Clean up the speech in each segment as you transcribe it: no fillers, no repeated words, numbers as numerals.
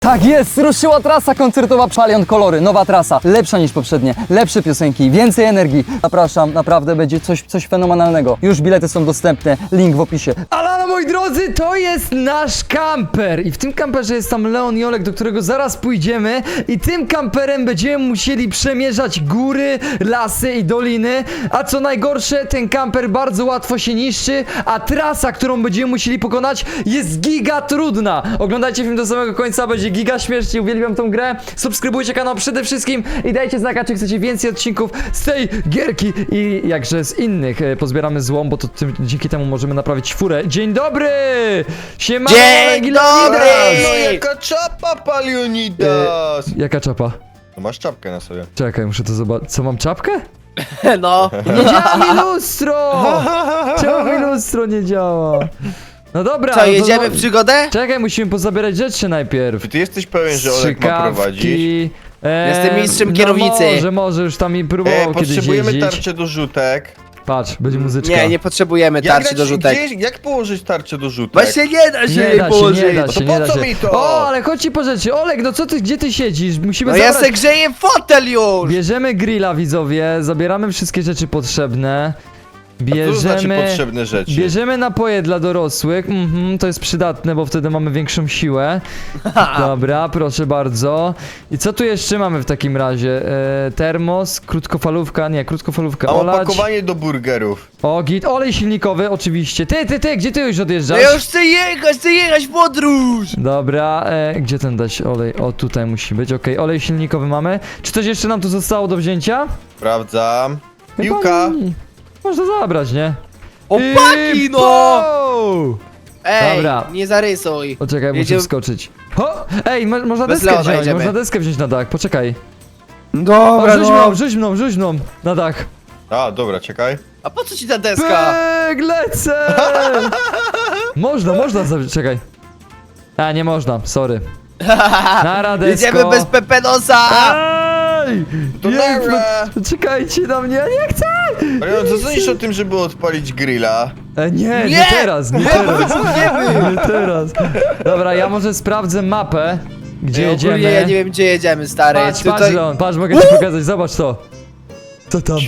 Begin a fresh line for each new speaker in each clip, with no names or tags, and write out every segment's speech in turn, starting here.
Tak jest, ruszyła trasa koncertowa Szalion Kolory, nowa trasa, lepsza niż poprzednie, lepsze piosenki, więcej energii. Zapraszam, naprawdę będzie coś fenomenalnego. Już bilety są dostępne, link w opisie. Ale moi drodzy, to jest nasz kamper i w tym kamperze jest tam Leon i Olek, do którego zaraz pójdziemy i tym kamperem będziemy musieli przemierzać góry, lasy i doliny, a co najgorsze, ten kamper bardzo łatwo się niszczy, a trasa, którą będziemy musieli pokonać, jest giga trudna. Oglądajcie film do samego końca, będzie giga śmiesznie, uwielbiam tą grę. Subskrybujcie kanał przede wszystkim i dajcie znaka, czy chcecie więcej odcinków z tej gierki i jakże z innych. Pozbieramy złom, bo to dzięki temu możemy naprawić furę. Dzień dobry! Siema!
Dzień dobry!
No jaka czapa, Palionidas!
Jaka czapa?
No masz czapkę na sobie.
Czekaj, muszę to zobaczyć. Co, mam czapkę?
No.
Nie działa mi lustro! Czemu mi lustro nie działa? No dobra.
Co, jedziemy
no,
w przygodę?
Czekaj, musimy pozabierać rzeczy najpierw.
Czy ty jesteś pewien, że Olek ma prowadzić?
Jestem mistrzem
no
kierownicy.
Może już tam i próbował kiedyś
Potrzebujemy
jeździć.
tarczę do rzutek.
Patrz, będzie muzyczka.
Nie potrzebujemy tarczy do rzutek.
Jak położyć tarczę do rzutek?
Właśnie nie da się
Nie
jej
da się,
położyć.
nie da
To
się,
po
nie da
co
się.
mi to?
O, ale chodź ci po rzeczy. Olek, no co ty, gdzie ty siedzisz? Musimy
No ja
zabrać...
se grzeję fotel już!
Bierzemy grilla, widzowie, zabieramy wszystkie rzeczy potrzebne.
Co to znaczy potrzebne rzeczy?
Bierzemy napoje dla dorosłych, to jest przydatne, bo wtedy mamy większą siłę. Dobra, proszę bardzo. I co tu jeszcze mamy w takim razie? Termos, krótkofalówka,
Mam
olać.
opakowanie do burgerów.
O, git, olej silnikowy, oczywiście. Ty, gdzie ty już
No
odjeżdżasz?
ja już chcę jechać w podróż!
Dobra, gdzie ten dać olej? O, tutaj musi być, okej, olej silnikowy mamy. Czy coś jeszcze nam tu zostało do wzięcia?
Sprawdzam.
Chyba
Piłka.
nie. Można zabrać, nie?
Opaki,
I
no!
po!
Ej,
Dobra.
nie zarysuj.
Poczekaj, muszę
Jedziemy-
wskoczyć. Ho! Ej, można
Bez
deskę
Leona
wziąć,
jedziemy.
można deskę wziąć na dach, poczekaj.
Dobra,
O, rzuć mną, na dach.
A, dobra, czekaj.
A po co ci ta deska?
Pyk, lecę! Można, czekaj. A, nie można, sorry. Nara desko.
Jedziemy bez Pepenosa!
Ej!
To
Jedźmy.
nara.
Czekajcie na mnie, ja nie chcę!
Marian, co sądzisz o tym, żeby odpalić grilla?
Nie
Nie!
teraz, nie teraz. Dobra, ja może sprawdzę mapę, gdzie jedziemy.
Ogólnie ja nie wiem gdzie jedziemy, stary.
Patrz,
Tutaj...
Leon, patrz, mogę ci pokazać, zobacz to. Co tam?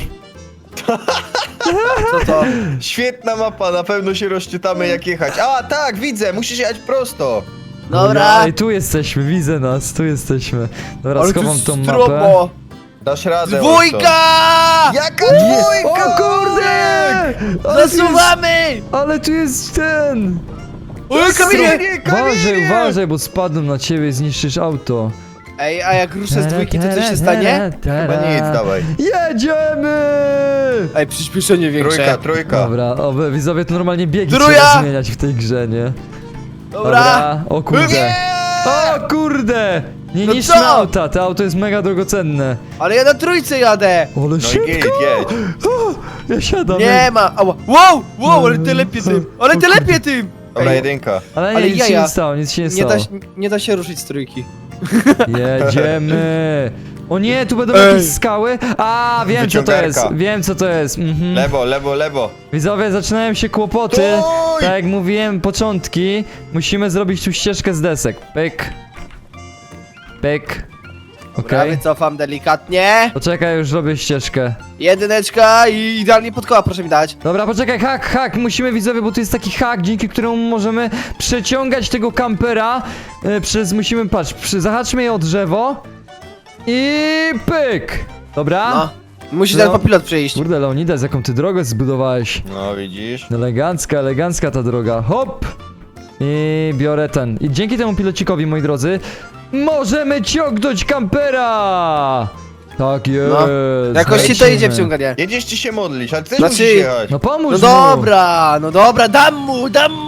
Co to?
Świetna mapa, na pewno się rozczytamy jak jechać. A, tak, widzę, musisz jechać prosto.
Dobra.
Ej, tu jesteśmy, widzę nas, tu jesteśmy. Dobra,
Ale tu
schowam tą mapę.
strobo.
Dasz radę.
Dwójka!
Jaka
Je-
dwójka?
O kurde!
Zasuwamy!
Ale tu jest ten!
Oj, Kamilie!
Uważaj, bo spadną na ciebie i zniszczysz auto.
Ej, a jak ruszę z dwójki, to coś się stanie?
Chyba nic, dawaj.
Jedziemy!
Ej, przyspieszenie większe.
Trójka.
Dobra, widzowie, to normalnie biegi
Trójka!
trzeba zmieniać w tej grze, nie?
Dobra.
O kurde.
Nie!
O kurde! Nie
No
niszczmy
co?
auta, to auto jest mega drogocenne.
Ale ja na trójce jadę!
Ale
No i
szybko!
jedź.
Ja siadam.
Nie ma! Ała. Wow, ale ty lepiej tym! Ale ty lepiej tym!
Dobra,
Ej,
jedynka.
Ale nie,
Ale
nic się
jaja.
nie stało, nic się nie
nie,
stało.
nie da się ruszyć z trójki.
Jedziemy! O nie, tu będą
Ej.
jakieś skały. A, wiem co to jest.
Wyciągarka.
Wiem co to jest.
Lewo.
Widzowie, zaczynają się kłopoty.
Stój!
Tak jak mówiłem, początki. Musimy zrobić tu ścieżkę z desek. Pyk. Pyk.
Dobra,
Okej.
wycofam delikatnie.
Poczekaj, już robię ścieżkę.
Jedyneczka i idealnie pod koła, proszę mi dać.
Dobra, poczekaj, hak, musimy widzowie, bo tu jest taki hak, dzięki któremu możemy przeciągać tego kampera musimy, patrz, zahaczmy je o drzewo i pyk! Dobra?
No. Musi
No.
ten popilot przyjść.
Kurde, Leonidas, jaką ty drogę zbudowałeś.
No, widzisz?
Elegancka ta droga, hop! I biorę ten. I dzięki temu pilocikowi, moi drodzy, możemy ciągnąć kampera! Tak jest!
No. Jakoś ci to
lecimy.
idzie wciąganie.
Jedziesz ci się modlić, ale ty też
Znaczy-
musisz jechać.
No pomóż
No dobra, dam mu!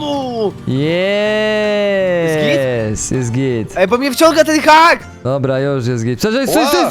Jest git.
Ej, bo mnie wciąga ten hak!
Dobra, już jest git. Stój.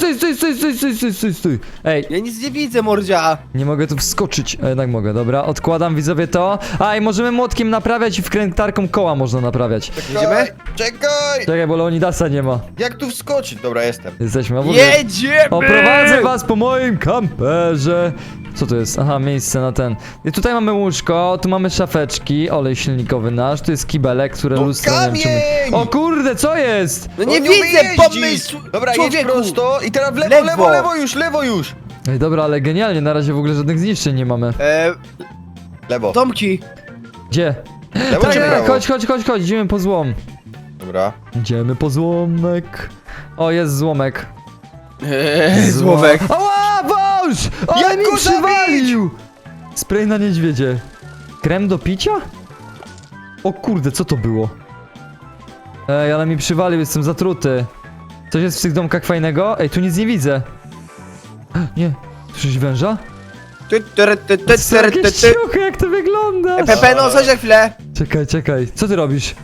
Ej,
Ja nic nie widzę, mordzia.
nie mogę tu wskoczyć. A jednak mogę, dobra. Odkładam widzowie to. A, i możemy młotkiem naprawiać i wkrętarką koła można naprawiać.
Jedziemy?
Czekaj!
Czekaj, bo Leonidasa nie ma.
Jak tu wskoczyć? Dobra, jestem.
Jesteśmy. W ogóle
Jedziemy!
oprowadzę was po moim kamperze. Co to jest? Aha, miejsce na ten. I tutaj mamy łóżko, tu mamy szafeczki, olej silnikowy nasz, tu jest kibelek, które
No
lustro, nie wiem, czy my...
kamień!
O kurde, co jest?
No nie
On
widzę
umie
pomysłu!
jeździć. Dobra, jedź
Człowieku!
prosto i teraz w lewo,
Lewo.
lewo, lewo już, lewo już.
Ej, dobra, ale genialnie, na razie w ogóle żadnych zniszczeń nie mamy.
Lewo.
Domki!
Gdzie?
Lewo czy
Tak,
prawo?
chodź, idziemy po złom.
Dobra.
Idziemy po złomek. O, jest złomek.
Złowek.
Ała, wąż! Ale
Jak
mi
go
przywalił! Spray na niedźwiedzie. Krem do picia? O kurde, co to było? Ej, ale mi przywalił, jestem zatruty. Coś jest w tych domkach fajnego? Ej, tu nic nie widzę. Nie, słyszysz węża? To są jakieś ciuchy, jak to wygląda?
Pepe, no chodź na chwilę.
Czekaj, co ty robisz?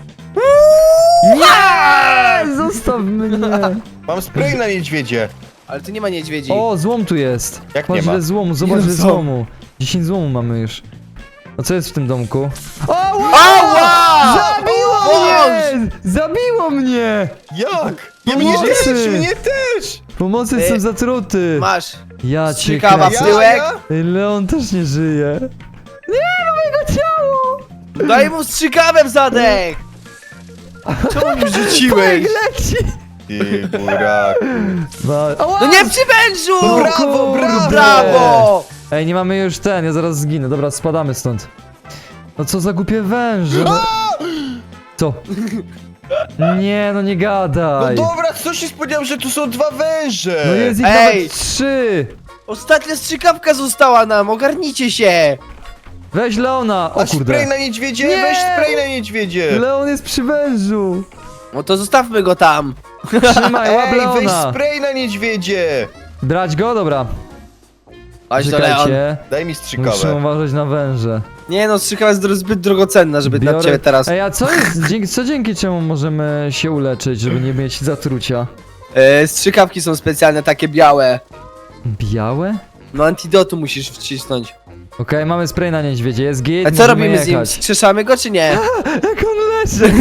Nie! Zostaw mnie!
Mam spray na niedźwiedzie.
Ale tu nie ma niedźwiedzi.
O, złom tu jest.
Jak
Patrz,
nie ma?
ile złomu, zobacz
Nie
ile
są.
złomu. 10 złomu mamy już. A co jest w tym domku?
Ała!
Zabiło mnie! Zabiło mnie!
Jak?
No
Mnie
może.
też, mnie też!
Pomocy, jestem zatruty.
Masz.
Ja cię
Strzykawa
kręcę.
w tyłek.
Ej, Leon też nie żyje. Nie, mam jego ciało!
Daj mu strzykawę w zadek! Czemu mi rzuciłeś?
Leci!
Ty burak.
Ała!
No nie przy wężu!
No brawo, brawo!
Brawo!
Ej, nie mamy już ten, ja zaraz zginę. Dobra, spadamy stąd. No co za głupie węże. No. Co? Nie, no nie
No
gadaj.
dobra, co się spodziewał, że tu są 2 węże?
No jest ich
Ej!
nawet 3.
Ostatnia strzykawka została nam, ogarnijcie się!
Weź Leona. O
A spray
kurde.
na niedźwiedzie?
Nie!
Weź spray na niedźwiedzie.
Leon jest przy wężu.
No to zostawmy go tam.
Trzymaj, łap
Ej, weź
Leona.
spray na niedźwiedzie.
Brać go? Dobra.
Chodź do Leon.
Czekajcie.
Daj mi
Muszę
strzykawę.
uważać na węże.
Nie no, strzykawa jest zbyt drogocenna, żeby dla ciebie teraz.
Ej, a co jest? Dzięki czemu możemy się uleczyć, żeby nie mieć zatrucia?
Strzykawki są specjalne, takie białe.
Białe?
No antidotu musisz wcisnąć.
Okej, mamy spray na niedźwiedzie, jest git,
A co
możemy
robimy z nim?
jechać.
Skrzeszamy go czy nie?
Jak on leży!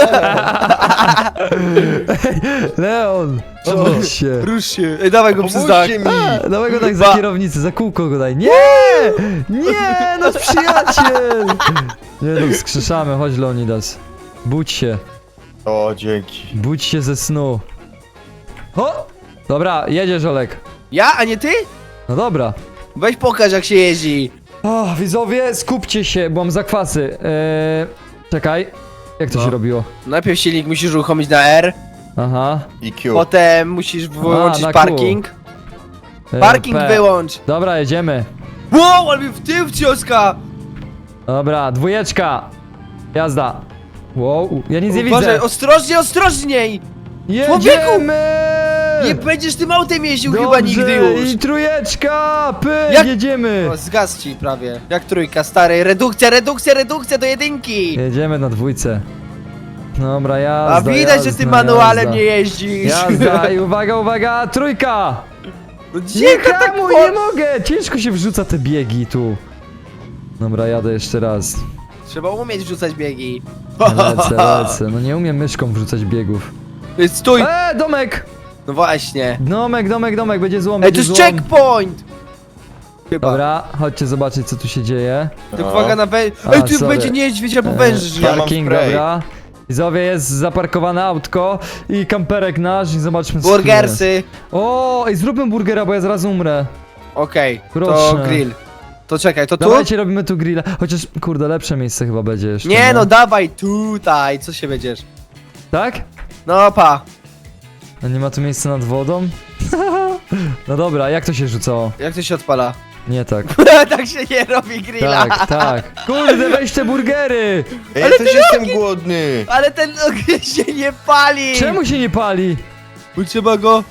Ej, Leon! Obudź się!
Rusz się. Ej, dawaj go przez dach.
Pomóżcie mi.
Dawaj go tak za
Ba-
kierownicę, za kółko go daj. Nie! Nie, nasz przyjaciel! Nie no, wskrzeszamy, chodź Leonidas. Budź się,
O, dzięki.
budź się ze snu. Ho! Dobra, jedziesz Olek.
Ja, a nie ty?
No dobra.
Weź pokaż jak się jeździ.
O, widzowie, skupcie się, bo mam zakwasy. Czekaj, jak to
No.
się robiło?
Najpierw silnik musisz uruchomić na R,
Aha.
IQ.
potem musisz wyłączyć
na
parking. Parking
P.
wyłącz.
Dobra, jedziemy.
Wow, ale mi w tył wcioska.
Dobra, dwójeczka. Jazda. Wow, ja nic nie
Uważaj,
widzę.
ostrożnie, ostrożniej.
Jedziemy!
Nie będziesz tym autem jeździł
Dobrze,
chyba nigdy już.
I trójeczka! Pyk,
Jak-
jedziemy!
O, zgasł ci prawie. Jak trójka, stary. Redukcja do jedynki.
Jedziemy na dwójce. Dobra, jazda,
A widać, że ty manualem nie jeździsz.
Jazda i uwaga, trójka!
No
Nie
cicho tak
hamuj, nie mogę! Ciężko się wrzuca te biegi tu. Dobra, jadę jeszcze raz.
Trzeba umieć wrzucać biegi.
Lecę. No nie umiem myszką wrzucać biegów.
Stój.
Domek!
No właśnie.
Domek, będzie złom,
Ej, to
będzie
jest
złom.
checkpoint. Chyba.
Dobra, chodźcie zobaczyć co tu się dzieje.
To
No.
uwaga na węż.
A,
Ej, tu
sorry.
będzie niedźwiedź albo węż.
Ja mam
Parking,
spray.
dobra. Widzowie, jest zaparkowane autko i kamperek nasz i zobaczmy co tu jest.
Burgersy.
O, ej, zróbmy burgera, bo ja zaraz umrę.
Okej, to
Proszę.
grill. To czekaj, to tu?
Dawajcie, robimy tu grilla. Chociaż, kurde, lepsze miejsce chyba będzie jeszcze.
Nie no, dawaj tutaj. Co się będziesz?
Tak?
No pa.
A nie ma tu miejsca nad wodą? No dobra, jak to się rzucało?
Jak to się odpala?
Nie tak.
Tak się nie robi grilla.
Tak. Kurde, weź te burgery!
Ej, ja też jestem głodny.
Ale ten ogień się nie pali.
Czemu się nie pali?
Bo trzeba go...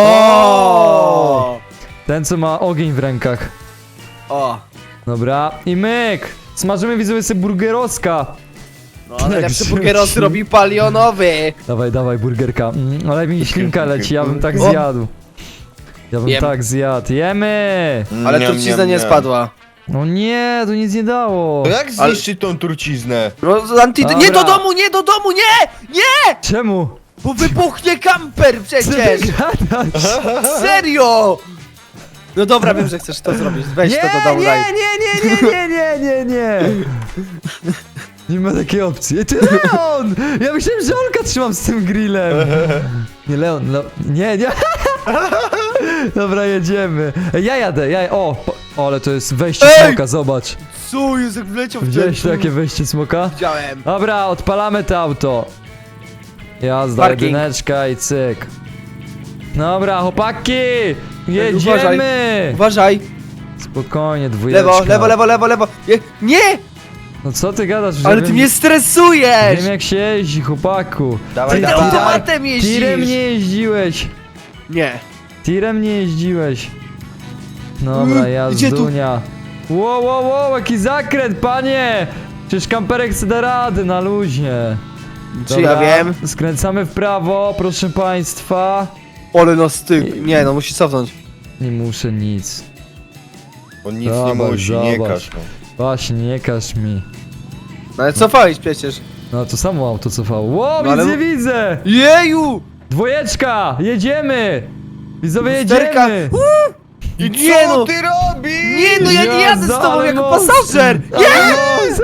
O!
Ten, co ma ogień w rękach.
O!
Dobra, i myk! Smażymy, widzowie, sobie burgeroska.
No, najlepszy
Tak,
burgeros
rzuci.
robi palionowy.
Dawaj, burgerka. Ale mi ślinka leci, ja bym tak
O.
zjadł. Ja bym
Jem.
tak zjadł. Jemy!
Ale
Niam,
trucizna
niam,
nie
niam.
spadła.
No nie, to nic nie dało.
To jak zniszczyć tą truciznę?
No,
Dobra.
nie do domu, nie do domu, nie! Nie!
Czemu?
Bo wybuchnie kamper
Co ty
przecież!
gadasz?
Serio! No dobra, wiem, że chcesz to zrobić. Weź to do domu, daj.
Nie. Nie ma takiej opcji. Ej, ty Leon! Ja myślałem, że Olka trzymam z tym grillem. Nie, Leon, nie. Dobra, jedziemy. Ej, ja jadę. O, ale to jest wejście smoka, zobacz.
Co jest, jak wleciał w
Widziałeś takie wejście smoka?
Widziałem.
Dobra, odpalamy to auto. Jazda,
Parking.
jedyneczka i cyk. Dobra, chłopaki! Jedziemy!
Uważaj.
Spokojnie, dwójeczka.
Lewo. Nie!
No co ty gadasz? Że
Ale
wiem,
ty mnie stresujesz!
Wiem jak się jeździ, chłopaku.
Dawaj,
Ty
dawaj.
automatem jeździsz!
Tirem nie jeździłeś.
Nie.
Tirem nie jeździłeś. Dobra,
Gdzie tu?
jazdunia. Wow, jaki zakręt, panie! Przecież kamperek chce da rady na luźnie.
Czy ja wiem?
Skręcamy w prawo, proszę państwa.
Ole no styk. Nie, no musi cofnąć.
Nie muszę nic.
On nic
Zobacz,
nie musi, nie
zobacz.
każ mu.
Właśnie, nie każ mi.
No ale cofałeś przecież.
No to samo auto cofało. Wow,
No ale-
nic nie widzę!
Jeju!
Dwójeczka! Jedziemy! Widzowie,
Lusterka.
jedziemy!
I
Nie
co
no.
ty robisz?
Nie no, ja nie jadę z tobą
ale
jako
moc.
pasażer!
Ale moc.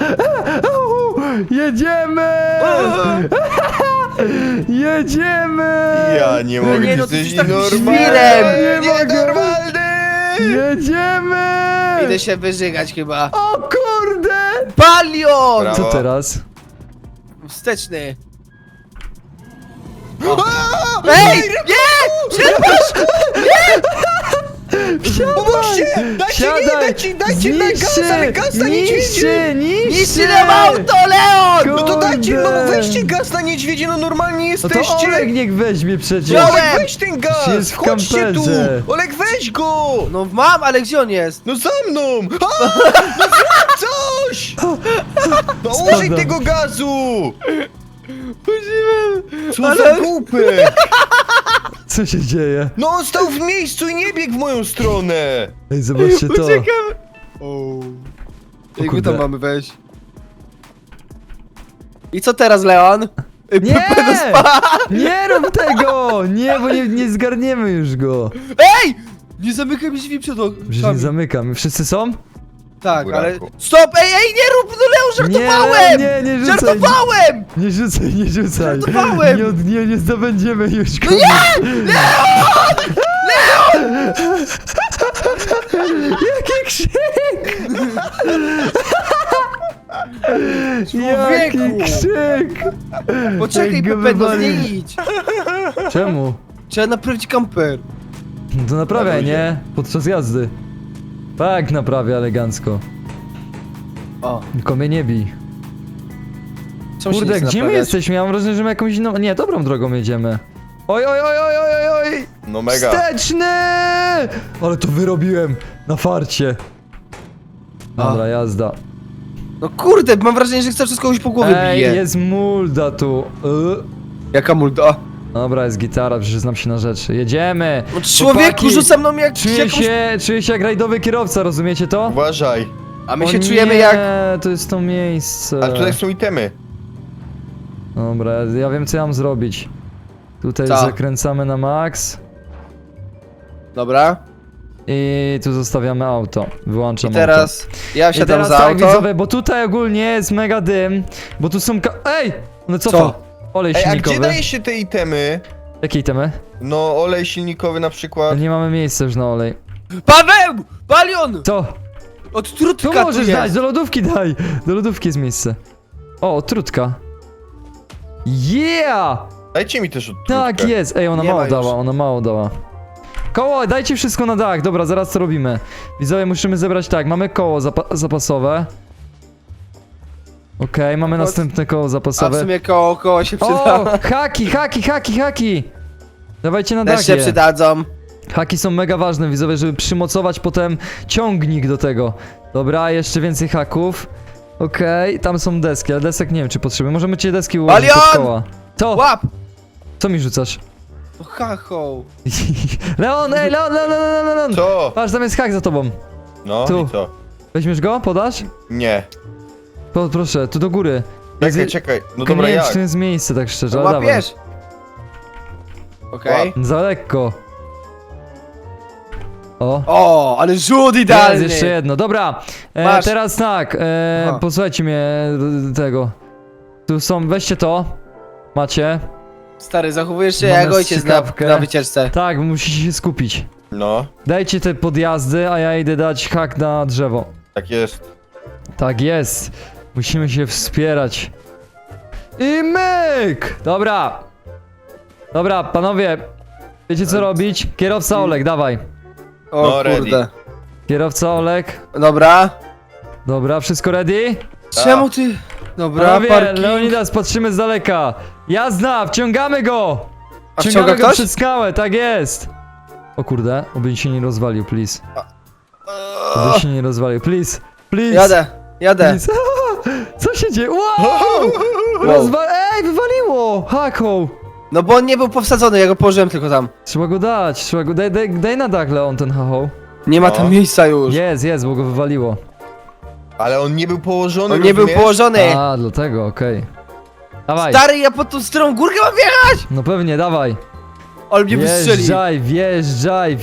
Jedziemy! Jedziemy!
Ja nie mogę,
nie,
ty
no ty
jesteś
jesteś takim
nienormalny!
świrem.
Nienormalny!
Jedziemy!
Idę się wyżygać chyba.
O kurde!
Palion!
Brawo.
Co teraz?
Wsteczny. Ej! Nie!
Pomóżcie! Dajcie na gaz, ale gaz na niedźwiedzie!
Niszczy nam auto, Leon!
No to dajcie, no
Kurde.
weźcie gaz na niedźwiedzie, no normalnie
No to
jesteście!
Olek niech weźmie przecież.
Wziąłem.
Olek, weź ten gaz!
Jest w
Chodźcie tu!
kamperze.
Olek, weź go!
No mam, ale gdzie on jest?
No za mną! A! No zrób coś! No użyj
Spadam.
tego gazu! Co
Ale-
za głupek!
Co się dzieje?
No on stał w miejscu i nie biegł w moją stronę!
Ej, zobaczcie to.
Uciekam. Jak my
kurde.
tam mamy wejść? I co teraz, Leon?
Nie! Nie rób tego! Nie, bo nie zgarniemy już go.
Ej! Nie zamykaj mi drzwi przed
Przecież nie zamykam. Wszyscy są?
Tak, ale...
Buraku.
Stop! Ej, nie rób! No Leon, żartowałem!
Nie rzucaj.
Żartowałem!
Nie rzucaj.
Żartowałem!
Nie zdobędziemy już go.
No nie!
Jaki krzyk! Jaki
Człowieku!
krzyk!
Poczekaj,
Jak go
Pepe, no
wywali.
nie idź!
Czemu?
Trzeba naprawić kamper.
No to naprawiaj, nie? Podczas jazdy. Tak, naprawia elegancko.
O,
Tylko mnie nie bij.
czemu się
Kurde,
nie chce
gdzie my
naprawiać?
jesteśmy? Ja mam wrażenie, że my jakąś inną... Nie, dobrą drogą jedziemy. Oj!
No mega.
Wsteczny! Ale to wyrobiłem na farcie. Dobra, jazda.
No kurde, mam wrażenie, że chcę przez kogoś po głowie
Ej,
bije.
jest mulda tu.
Jaka multa?
Dobra, jest gitara, przecież znam się na rzeczy. Jedziemy!
No człowieku,
Chłopaki,
rzuca mną jak
Czuję
jakąś...
się jak rajdowy kierowca, rozumiecie to?
Uważaj.
A my
O
się
nie,
czujemy jak...
to jest to miejsce.
Ale tutaj są itemy.
Dobra, ja wiem co ja mam zrobić. Tutaj
Co?
zakręcamy na max.
Dobra.
I tu zostawiamy auto. Wyłączam
I teraz
auto.
ja
I
siadam
teraz
za
tak,
auto.
widzowie, bo tutaj ogólnie jest mega dym. Bo tu są Ej! No co?
Co?
Olej
Ej, a
silnikowy.
gdzie daje się te itemy?
Jakie itemy?
No olej silnikowy na przykład.
Nie mamy miejsca już na olej.
Paweł! Palion!
Co?
Od
Tu
trutka tu
możesz
jest.
dać, do lodówki daj! Do lodówki jest miejsce. O, trutka. Yeah!
Dajcie mi też odtrutkę.
Tak jest! Ej, ona
Nie
mało
ma już.
dała, ona mało dała. Koło, dajcie wszystko na dach, dobra, zaraz co robimy. Widzowie, musimy zebrać tak, mamy koło zapasowe. Okej, mamy
Chodź.
następne koło
A w
zapasowe.
sumie koło się przyda.
O, haki! Dawajcie na
Też się
dach je.
przydadzą.
Haki są mega ważne, widzowie, żeby przymocować potem ciągnik do tego. Dobra, jeszcze więcej haków. Okej, tam są deski, ale desek nie wiem czy potrzebujemy. Możemy cię deski ułożyć pod
Palion!
koła. Co?
Łap!
Co mi rzucasz?
No hacho.
Leon, ej, Leon!
Co?
Patrz, tam jest hak za tobą.
No
Tu.
i co?
Weźmiesz go? Podasz?
Nie.
Proszę, tu do góry.
Czekaj. No
Tylko
dobra,
nie wiem,
jak?
czy to jest miejsce, tak szczerze,
No
ale dawaj.
łapiesz. Okej.
Za lekko.
O, ale rzut
Jest
idealny.
jeszcze jedno, dobra.
Masz.
Teraz tak,
Aha.
posłuchajcie mnie tego. Tu są, weźcie to. Macie.
Stary, zachowujesz się
Mamy
jak ojciec
strzykawkę.
na wycieczce.
Tak, musicie się skupić.
No,
Dajcie te podjazdy, a ja idę dać hak na drzewo.
tak jest.
Tak jest. Musimy się wspierać. I myk! Dobra. Dobra, panowie. Wiecie co robić? Kierowca Olek, dawaj.
O
No, ready.
kurde.
Kierowca Olek.
Dobra.
Dobra, wszystko ready?
Czemu ty... Dobra,
Panowie,
parking.
Leonidas, patrzymy z daleka. Jazda, wciągamy go!
A
Wciągamy
wciąga
go
ktoś?
przed skałę, tak jest! O kurde, oby się nie rozwalił, please. Oby się nie rozwalił, please. Please.
Jadę.
Please. Co się dzieje? Wow! Ej, wywaliło! Haką!
No bo on nie był powsadzony, ja go położyłem tylko tam.
Trzeba go dać, trzeba go... Daj na dach, Leon, ten hachoł.
Nie ma
No.
tam miejsca już.
Jest, bo go wywaliło.
Ale on nie był położony,
On nie był
rozumiesz?
położony.
A, dlatego, okej. Dawaj.
Stary, ja pod tą strą górkę mam wjechać!
No pewnie, dawaj.
On mnie wystrzeli.
Wjeżdżaj!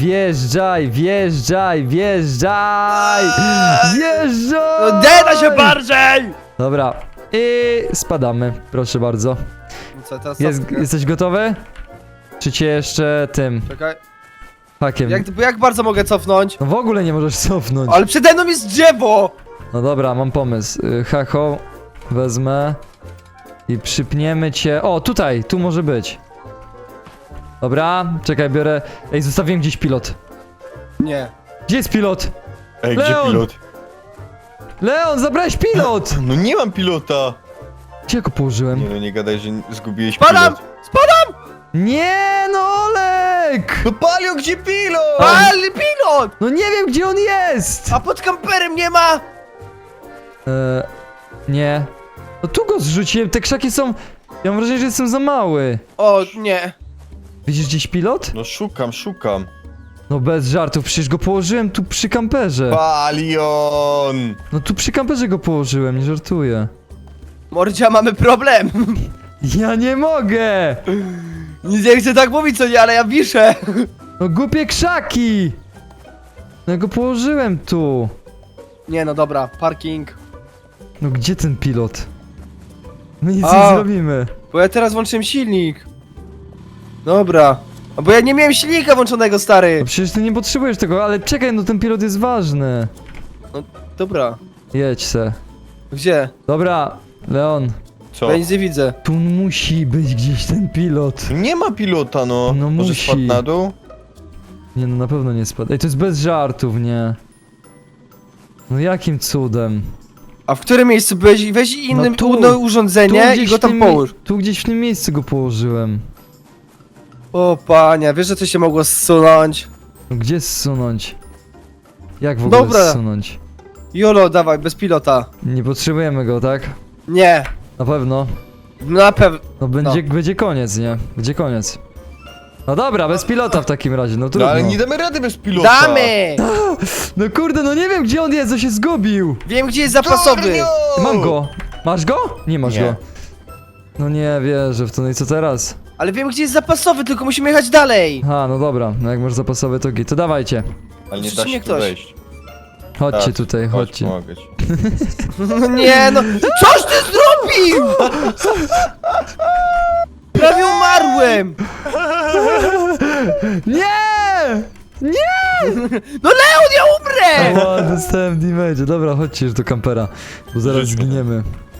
No deda się bardziej!
Dobra. I spadamy, proszę bardzo.
Co teraz?
Jesteś gotowy? Czy cię jeszcze tym
Czekaj.
hakiem?
Jak bardzo mogę cofnąć?
No w ogóle nie możesz cofnąć.
Ale przede mną jest drzewo!
No dobra, mam pomysł. Haką wezmę i przypniemy cię. O, tutaj, tu może być. Dobra, czekaj, biorę. Ej, zostawiłem gdzieś pilot.
Nie.
Gdzie jest pilot?
Ej, gdzie
Leon!
pilot?
Leon, zabrałeś pilot!
No nie mam pilota.
Gdzie go położyłem?
Nie no, nie gadaj, że zgubiłeś
Spadam!
pilot.
Nie, no Olek!
No Palio, gdzie pilot?
Ale pilot!
No nie wiem, gdzie on jest!
A pod kamperem nie ma!
Nie. No tu go zrzuciłem, te krzaki są... Ja mam wrażenie, że jestem za mały.
O, nie.
Widzisz gdzieś pilot?
No szukam.
No bez żartów, przecież go położyłem tu przy kamperze.
Palion!
No tu przy kamperze go położyłem, nie żartuję.
Mordzia, mamy problem.
Ja nie mogę!
Nie chcę tak mówić, co nie, ale ja wiszę.
No głupie krzaki! No ja go położyłem tu.
Nie no, dobra, parking.
No gdzie ten pilot? My nic
A.
nie zrobimy.
Bo ja teraz włączyłem silnik. Dobra. A bo ja nie miałem silnika włączonego,
No
stary.
przecież ty nie potrzebujesz tego, ale czekaj, no ten pilot jest ważny.
Dobra.
Jedź se.
Gdzie?
Dobra, Leon,
Co?
Ja nic nie widzę.
tu musi być gdzieś ten pilot.
Nie ma pilota, no.
No
Może
musi.
spadł na dół?
Nie no, na pewno nie spadł. Ej, to jest bez żartów, nie? No jakim cudem?
A w którym miejscu byłeś? Weź innym
No tu.
no, urządzenie i go
w
tam
tym
połóż.
Tu gdzieś w tym miejscu go położyłem.
O panie, wiesz, że to się mogło zsunąć?
No gdzie zsunąć? Jak w ogóle
Dobra.
zsunąć?
Jolo, dawaj, bez pilota.
Nie potrzebujemy go, tak?
Nie.
Na pewno.
Na pewno.
No będzie koniec, nie? Będzie koniec. No dobra, bez pilota w takim razie, no
No
trudno.
ale nie damy rady bez pilota.
Damy!
No kurde, no nie wiem gdzie on jest, on się zgubił.
Wiem, gdzie jest zapasowy.
Tornio!
Mam go. Masz go? Nie masz
Nie.
go. No nie wierzę w to, no i co teraz?
Ale wiem, gdzie jest zapasowy, tylko musimy jechać dalej.
Ha, no dobra, no jak masz zapasowe to git, to dawajcie.
Ale nie da
Przecież
się
nie
tu
ktoś.
wejść.
Chodźcie
Tak,
tutaj,
Chodź,
chodźcie.
pomogę ci.
No nie, no. Coś ty zrobił! Prawie umarłem!
Nie! Nie!
No Leon, ja umrę!
O, dostałem damage. Dobra, chodźcie już do kampera, bo zaraz
Rzućmy.
zginiemy.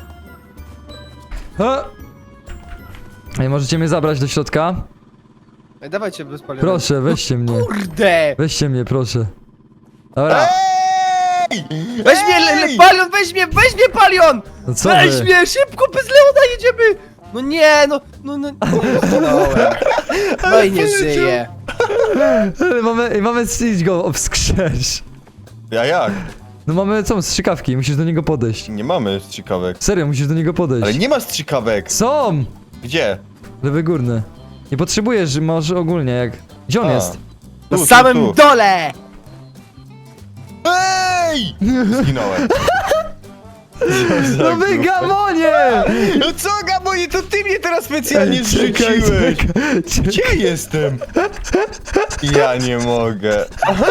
Ha! Ej, możecie mnie zabrać do środka?
Ej, dawajcie bez paliwa.
Proszę, weźcie mnie.
Kurde!
Weźcie mnie, proszę. Dobra,
Ej!
Weź mnie, Palion, weź mnie Palion!
no co
Weź
wy?
mnie, szybko, bez Leona jedziemy! No nie, no, zginąłem. No i nie żyje.
Mamy iść go wskrzesz.
Ja jak?
No mamy co, strzykawki, musisz do niego podejść.
Nie mamy strzykawek.
Serio, musisz do niego podejść.
Ale nie ma strzykawek.
Są!
Gdzie?
Lewy górny. Nie potrzebujesz, może ogólnie jak... Gdzie on
A.
jest?
Na
Tu,
samym
tu.
dole!
Ej! Zginąłem.
No wy gamonie!
No co, Gabonie, to ty mnie teraz specjalnie
Czekaj,
zrzuciłeś.
czekaj.
Gdzie jestem? Ja nie mogę.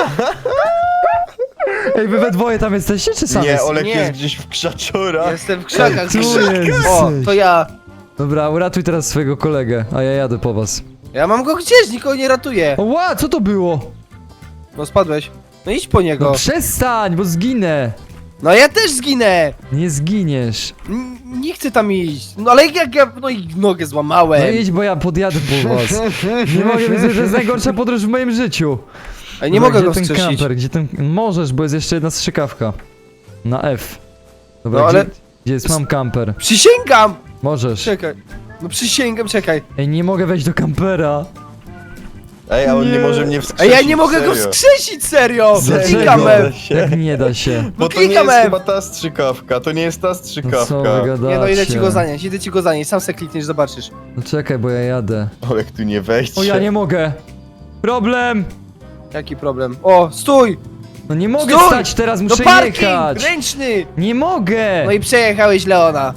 Ej, wy we dwoje tam jesteście, czy sam
Nie,
jest?
Olek
Nie.
jest gdzieś w krzaczorach.
Jestem w krzakach.
Tu jesteś.
O, to ja.
Dobra, uratuj teraz swojego kolegę, a ja jadę po was.
Ja mam go gdzieś, nikogo nie ratuję.
O, ła, co to było?
No spadłeś. No idź po
No
niego.
przestań, bo zginę.
No ja też zginę.
Nie zginiesz.
Nie chcę tam iść. No ale jak ja, no i nogę złamałem.
No idź, bo ja podjadę po was. Nie mogę, myślę, że jest najgorsza podróż w moim życiu.
Ale nie
Dobra,
mogę go
gdzie ten
wskrzesić.
kamper, gdzie ten... Możesz, bo jest jeszcze jedna strzykawka. Na F. Dobra,
No, ale-
gdzie jest? Mam kamper.
Przysięgam!
Możesz.
Czekaj. No przysięgam, czekaj.
Ej, nie mogę wejść do kampera.
Ej, a on nie
Nie.
może mnie
A
wskrzesić,
ja nie mogę go
serio.
wskrzesić, serio!
Dlaczego?
Klikam F.
Jak nie da się?
Bo to nie
klikam
jest
F.
chyba ta strzykawka, to nie jest ta
No co
strzykawka.
wy gadacie?
Nie no, idę ci go zanieść, sam se klikniesz, zobaczysz.
No czekaj, bo ja jadę.
Olek tu nie wejdzie.
O, ja nie mogę. Problem!
Jaki problem? O, stój!
No nie mogę
Stój!
stać teraz,
No
muszę
parking!
jechać.
Ręczny!
Nie mogę!
No i przejechałeś Leona.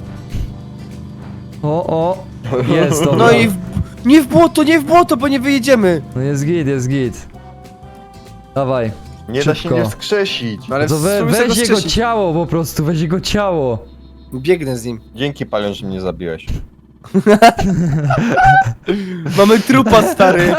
O, jest, dobra.
No i nie w błoto, bo nie wyjedziemy.
No jest git, jest git. Dawaj.
Nie da się
Szybko.
nie wskrzesić.
No ale
To
spróbuj sobie
weź
go
jego
wskrzesić.
ciało po prostu, weź jego ciało.
Biegnę z nim.
Dzięki, Palion, że mnie zabiłeś.
Mamy trupa, stary.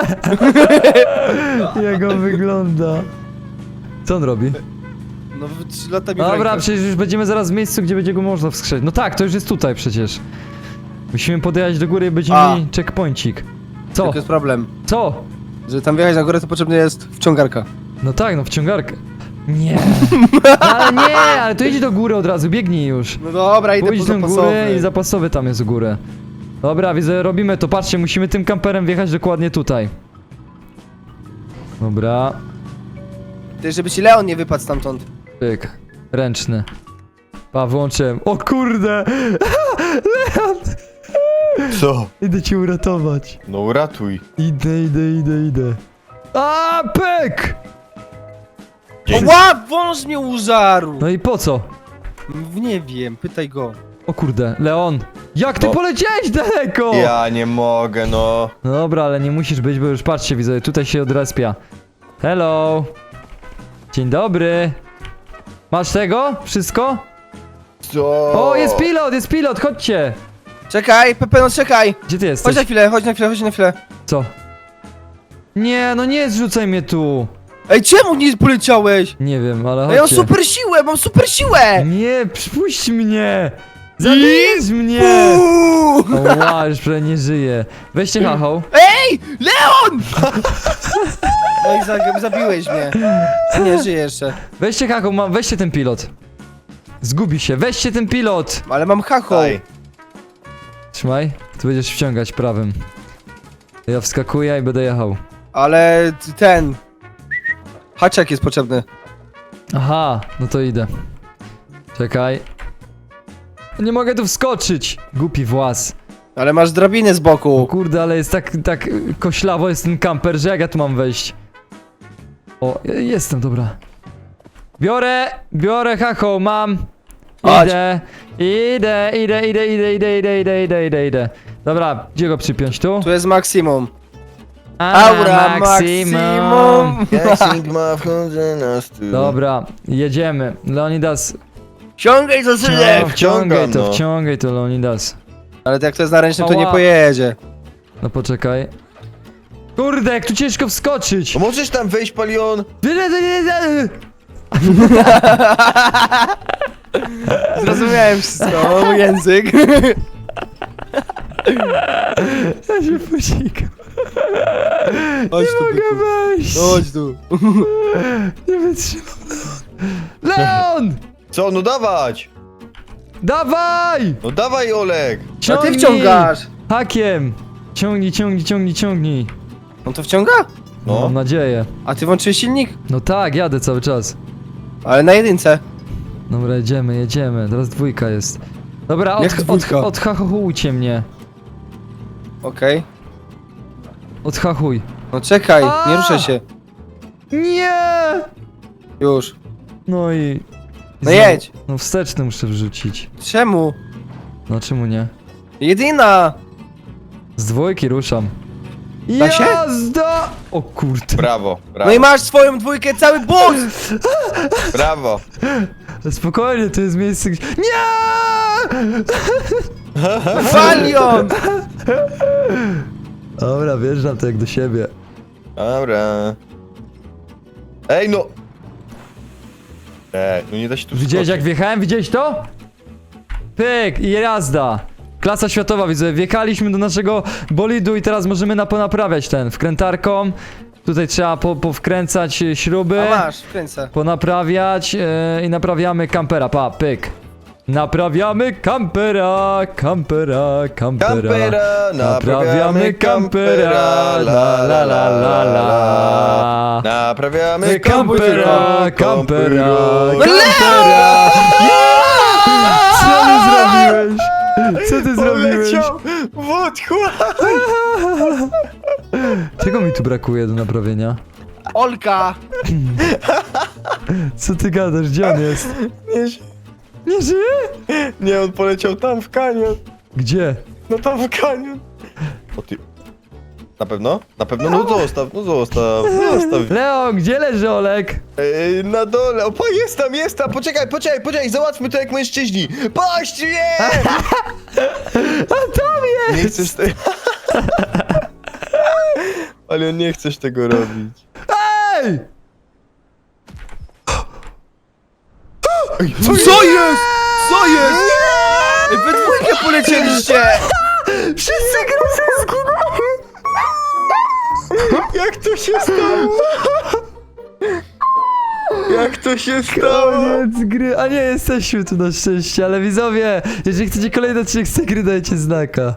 Jak on wygląda. Co on robi?
No 3 lata mi
Dobra,
rękę.
przecież już będziemy zaraz w miejscu, gdzie będzie go można wskrzesić. No tak, to już jest tutaj przecież. Musimy podjechać do góry i będziemy
A.
mieli checkpointik. Co?
Tylko jest problem.
Co?
Żeby tam wjechać na górę, to potrzebna jest wciągarka.
No tak, no wciągarkę. Nie. No, ale nie, ale to idź do góry od razu, biegnij już.
No dobra, idę
Pójdź
po
do góry
zapasowy.
i zapasowy tam jest u góry. Dobra, widzę, robimy to. Patrzcie, musimy tym kamperem wjechać dokładnie tutaj. Dobra,
Ty, żeby ci Leon nie wypadł stamtąd.
pyk. Ręczny. Pa, włączyłem. O kurde! Leon!
Co?
Idę cię uratować.
No uratuj.
Idę. A, pyk!
Dzięki.
O, łap, wąż mnie użarł!
No i po co?
Nie wiem, pytaj go.
O kurde, Leon! Jak ty
No.
poleciałeś daleko?
Ja nie mogę, no.
No dobra, ale nie musisz być, bo już patrzcie, widzę, tutaj się odrespia. Hello! Dzień dobry! Masz tego? Wszystko?
Co?
O, jest pilot, chodźcie!
Czekaj, Pepe, no czekaj!
Gdzie ty
Chodź
jesteś?
na chwilę, chodź na chwilę.
Co? Nie, no nie zrzucaj mnie tu!
Ej, czemu nie poleciałeś?
Nie wiem, ale
Ej,
chodźcie.
mam super siłę!
Nie, przypuść mnie! Zabijesz mnie!
Uuu!
O, wow, już prawie nie żyje. Weźcie hachą.
Ej, Leon! No i zabiłeś mnie. Nie, żyję jeszcze.
Weźcie hachą, weźcie ten pilot. Zgubi się, weźcie ten pilot!
Ale mam hacho.
Daj.
Trzymaj, tu będziesz wciągać prawym. Ja wskakuję i będę jechał.
Ale ten... Haczek jest potrzebny.
Aha, no to idę. Czekaj. Nie mogę tu wskoczyć! Głupi włas.
Ale masz drabinę z
O
boku.
kurde, ale jest tak koślawo jest ten kamper, że jak ja tu mam wejść? O, jestem, dobra. Biorę hacho, mam.
Chodź.
Idę. Dobra, gdzie go przypiąć? Tu?
Tu jest maksimum.
A,
Aura maksimum.
Jak Sigma wchodzę na stół.
Dobra, jedziemy. Leonidas.
Ciągaj za synek.
wciągam, no.
Wciągaj to, Leonidas.
Ale jak to jest na ręcznym, to nie
Ała.
pojedzie.
No poczekaj. Kurde, jak tu ciężko wskoczyć!
No możesz tam wejść, Palion?
Zrozumiałem wszystko, mój język.
Ja się posikam.
Chodź
Nie
tu,
mogę
byku.
wejść!
Chodź tu.
Nie wytrzymam. Leon!
Co? No dawać!
Dawaj!
No dawaj, Olek!
A ty
Ciągnij!
wciągasz.
Hakiem! Ciągnij.
On to wciąga?
No.
Mam nadzieję.
A ty włączyłeś silnik?
No tak, jadę cały czas.
Ale na jedynce.
Dobra, jedziemy. Teraz dwójka jest. Dobra,
Jak dwójka?
odhachujcie mnie.
Okej.
Odhachuj.
No czekaj,
A!
nie ruszaj się.
Nie!
Już.
No i...
No jedź.
No wsteczny muszę wrzucić.
Da się?
Jazda! O kurde.
Brawo,
No
brawo,
i masz swoją dwójkę, cały boss!
brawo.
Spokojnie, to jest miejsce gdzie... Nie!
Valion!
Dobra, wjeżdżam to jak do siebie.
Dobra. Ej, no! No nie da się tu
Widziałeś
wskoczyć.
jak wjechałem? Widziałeś to? Pyk i jazda. Klasa światowa, widzę. Wjechaliśmy do naszego bolidu i teraz możemy ponaprawiać ten wkrętarką. Tutaj trzeba powkręcać śruby.
A masz, kręcę.
Ponaprawiać i naprawiamy kampera. Pa, pyk. Naprawiamy kampera, kampera, kampera.
Kampera,
Naprawiamy kampera, la la la la la.
Naprawiamy
Kampera, kampera,
No
kampera. Co ty zrobiłeś? Co ty zrobiłeś?
Poleciał w otchłań.
Czego mi tu brakuje do naprawienia?
Olka!
Co ty gadasz? Gdzie on jest?
Nie,
Nie żyje?
nie, on poleciał tam w kanion.
Gdzie?
No tam w kanion. O ty... Na pewno? Na pewno? No zostaw, no zostaw, zostaw.
Leo, gdzie leży Olek?
Na dole, opa, jest tam, poczekaj, załatwmy to jak mężczyźni. Paść, nie!
A tam jest!
Nie chcesz tego... Ale nie chcesz tego robić.
Ej!
Co jest? Co jest? Ej, we dwójkę polecieliście!
Wszyscy grosy zginęli!
Jak to się stało? Jak to się stało?
Koniec gry, a nie jesteśmy tu na szczęście, ale widzowie, jeżeli chcecie kolejny odcinek z tej gry, dajcie znaka.